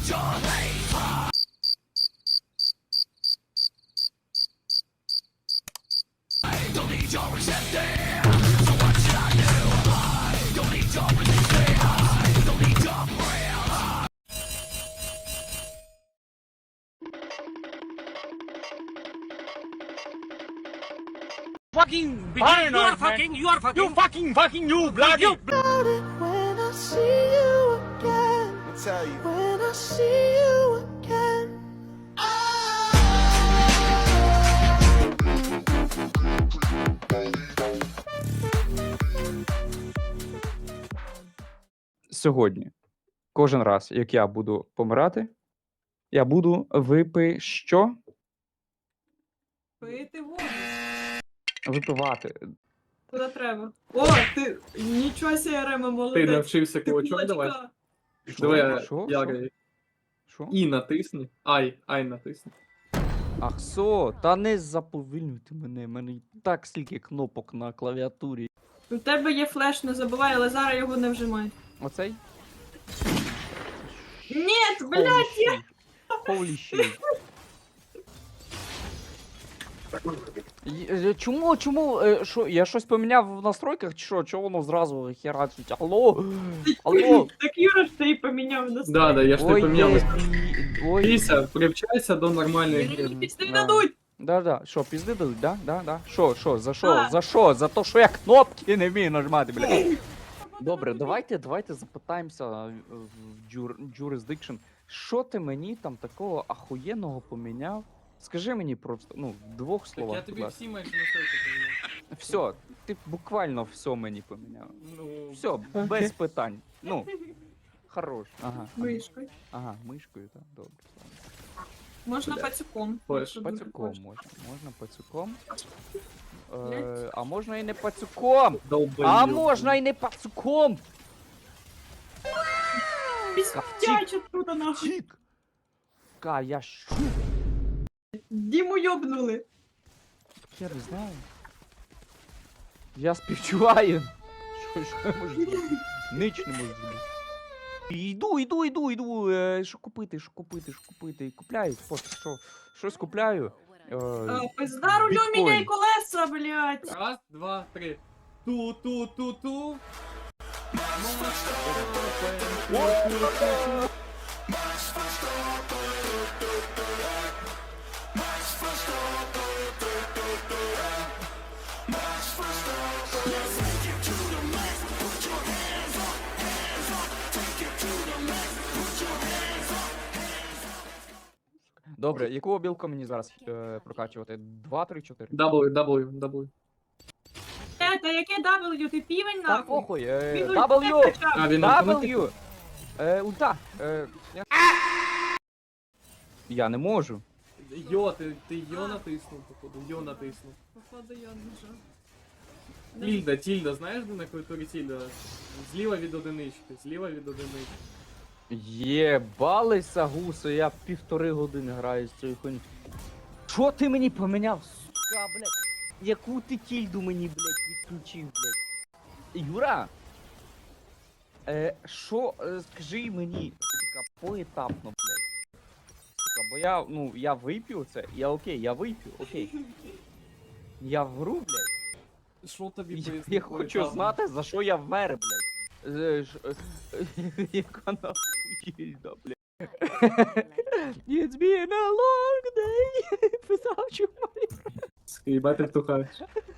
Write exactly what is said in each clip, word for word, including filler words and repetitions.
Fucking beginner, you are fucking, you are fucking, you fucking, fucking, you bloody. You When I see you again, I tell you. when I see you again. Сьогодні, кожен раз, як я буду помирати, я буду випи що? Пити воду. Випивати. Куди треба. О, ти нічого себе, Рема, Ти молодець. навчився Ти кулачок давай. кулачка. Що? Давай Що? я Що? граю. Що? І натисни. Ай, ай натисни. Ах, со, та не заповільнюйте мене, в мене і так стільки кнопок на клавіатурі. У тебе є флеш, не забувай, але зараз його не вжимай. Оцей? Ні, блядь, я... Holy shit. Й- е, Чому, чому, е, що, я щось поміняв в настройках, чи що, чого воно зразу херачить? Алло, алло. Так Юра ж ти і поміняв на Да, да, я ж не Ой, поміняв. є, ой. Піся, привчайся до нормальної гри. Мені пісти Да. дадуть. Да-да, що, пізди дадуть, да? Да, да. Що, що, за що, Да. за що? За те, що я кнопки не вмію нажимати, блядь. Добре, давайте, давайте запитаємося в джур, jurisdiction. Що ти мені там такого ахуєнного поміняв? Скажи мені просто, ну, в двох Так словах, я будь тобі ласка. всі майже настройки поміняв. Все, ти буквально все мені поміняв. Ну, Все, без питань. Ну, хорош. Ага. ага. Мишкою. Ага, мишкою, так, добре. ладно. Можна Бля. пацюком. Ой, якщо дуже Пацюком хочеш. можна. Можна пацюком. Е, Блядь. а можна і не пацюком. долбойоб. А можна і не пацюком. Пістяча тут нахуй. Тік. Ка, я що? Діму йобнули. Я не знаю. Я співчуваю. Що, що я можу зробити? Нич не можу зробити. Йду, йду, йду, йду. Е, що купити, що купити, що купити. Купляю. Просто що, щось купляю. Е, А, Пизда рулю біткоін. міняй колеса, блядь. Раз, два, три. Ту-ту-ту-ту. Добре, яку обілку мені зараз е, прокачувати? Два, три, чотири? W, W, W. Е, та яке W, ти півень Та нахуй? похуй. Е, Він W! ульти качав. А, він автоматично? W! Е, ульта. Е, я... я не можу. Йо, ти, ти йо натиснув, походу. Йо натиснув. Походу я нажав. Тільда, тільда, знаєш, де на клавіатурі тільда? Зліва від одинички, зліва від одинички. Єбалися гуси, я півтори години граю з цією хуйню. Що ти мені поміняв, сука, блядь? Яку ти тільду мені, блядь, відключив, блядь? Юра! Е, що, е, скажи мені, сука, поетапно, блядь. Сука, бо я, ну, я вип'ю це, я окей, я вип'ю, окей. Я вру, блядь. Що тобі Я, пояснити? я хочу знати, за що я вмер, блядь. Е, ж- е, Яка нахуй їзда, блядь. It's been a long day without you, my friend. Їбать ти втухаєш.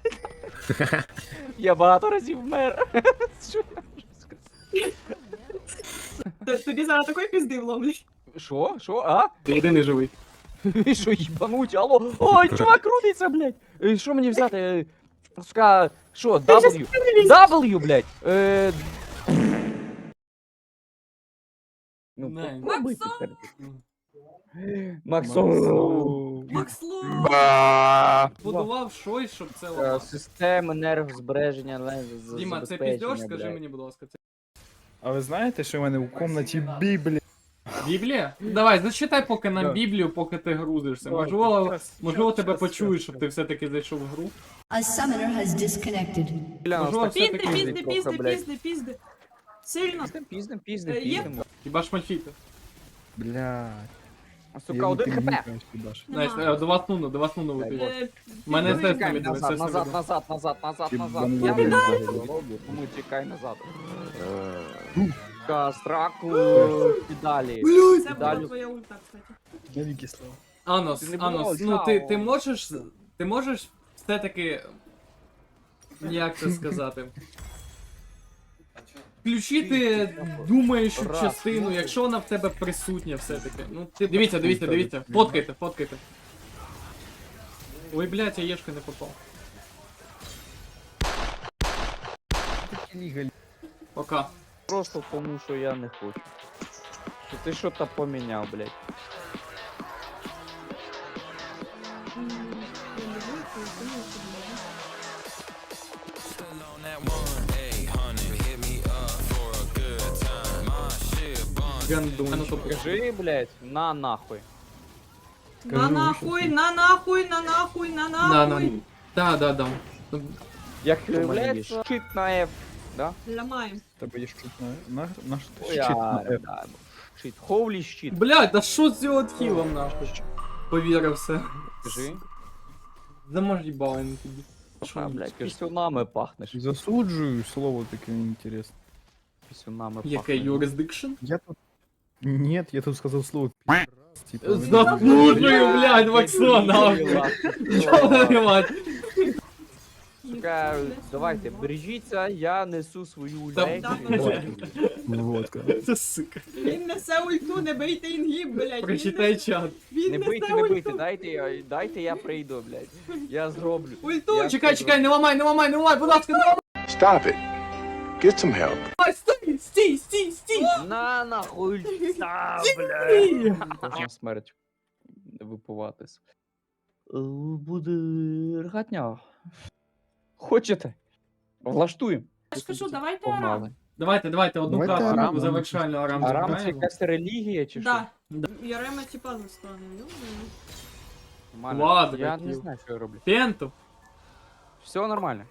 Я багато разів вмер. Що я можу сказати? Т- Тобі зараз такої пізди вломлять. Що? Що? А? Ти єдиний живий. Ви що, їбануть? Алло? Ой, чувак крутиться, блядь. Е, Що мені взяти? Е, Сука, що, W? W, блядь. Е, Ну, Не. попробуй Максон! підтвердити. Максон! Макслу! Будував щось, щоб це Е, ламати. Система енергозбереження, але з- Діма, це забезпечення, піздьош, скажи блядь. мені, будь ласка. Це А ви знаєте, що в мене в комнаті Біблія? Біблія? Давай, зачитай поки нам Да. Біблію, поки ти грузишся. Давай, Можливо, щас, можливо щас, тебе щас, почують, щас, щоб щас. ти все-таки зайшов в гру. A summoner has disconnected. Бля, Можливо, нас так Пізди, все-таки пізди, трохи, пізди, блядь. пізди, пізди. Сильно. Піздим, піздим, піздим, Е, є- піздим. Хіба ж мальфіти? Блядь. Сука, один хп. Найс, Нема. е, до вас нуно, до вас нуно летить. Е, У мене підбий. естественно відео, Назад, естественно назад, відео. назад, назад, назад, Ти назад. банан Я блядь. не роблю, тому тікай назад. Сука, Страку, педалі. Це була Далі. твоя ульта, кстати. Мені кисло. Анос, Ти не Анос, було, ну ти, чао. ти можеш, ти можеш все-таки, як це сказати, включити думаючу Раз. частину, якщо вона в тебе присутня все-таки. Ну, ти, дивіться, дивіться, дивіться, фоткайте, фоткайте. Ой, блядь, я єшки не попав. Пока. Просто тому, що я не хочу. Що ти що-то поміняв, блядь. М, я не знаю, що я думаю, що буде. Гандун. А ну то Скажи, блядь, на нахуй. На нахуй, на нахуй, на нахуй, на Да, да. нахуй. Да, да, да. Ну, Як виявляється, щит на F, да? Ламаємо. Тебе є щит на... На, на що ти Ой, щит на а, F? да, щит. Ховлі щит. Блядь, да що з цього тхілом нахуй? Повірився. Скажи. Замажібали на тобі. А, блядь, пісюнами пахнеш. Засуджую слово таке інтересне. Пісюнами Яке пахнеш. юрисдикшн? Я тут... Нет, я тут сказав слово пи***. Типа, Заслужую, блядь, Максон, нахуй. Ёбаный мать. Сука, давайте, бережіться, я несу свою Та- лекцію. водка. Це сука. Він несе ульту, не бийте інгіб, блядь. Прочитай чат. Він Не несе бийте, не бийте, ульту. дайте, я- дайте я прийду, блядь. Я зроблю. Ульту! Я Чекай, скажу. чекай, не ламай, не ламай, не ламай, будь ласка, не Stop it. Get some help. ламай, стій, стій, стій, стій. На нахуй, та, блядь. Кожна смерть випиватись. Е, Буде ргатня. Хочете? Влаштуємо. Я ж кажу, давайте арам. Погнали. Давайте, давайте, одну Давайте карту Арам. завершальну Арам Арам це забираємо. якась релігія чи що? Да. Ярема типа застане. Нормально. Ладно, Я хотів. не знаю, що я роблю. Пенту. Все нормально.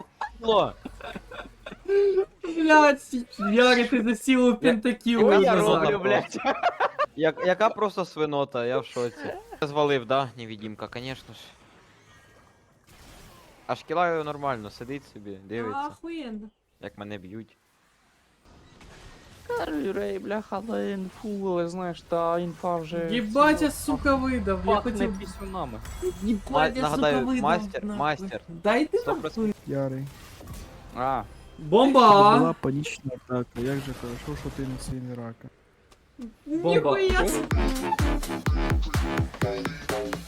Блядь, Ярик, ти за силу пентакілу Ой, я назад. роблю, блядь. Як, яка просто свинота, я в шоці. Звалив, да, невидимка, конечно ж. А шкіла нормально, сидить собі, дивиться, Охуєнно. як мене б'ють. Рей, бляха, але інфу, але знаєш, та інфа вже... Єбать, я, сука, видав. Я Пахне хотів... пісюнами. Єбать, Ма- я, сука, нагадаю, видав. мастер, нахуй. мастер. Дайте Сто нахуй. процентів. Ярий. А, Бомба! Була панічна атака. Як же хорошо, що ти не сильний рака. Бомба. Ніхуя.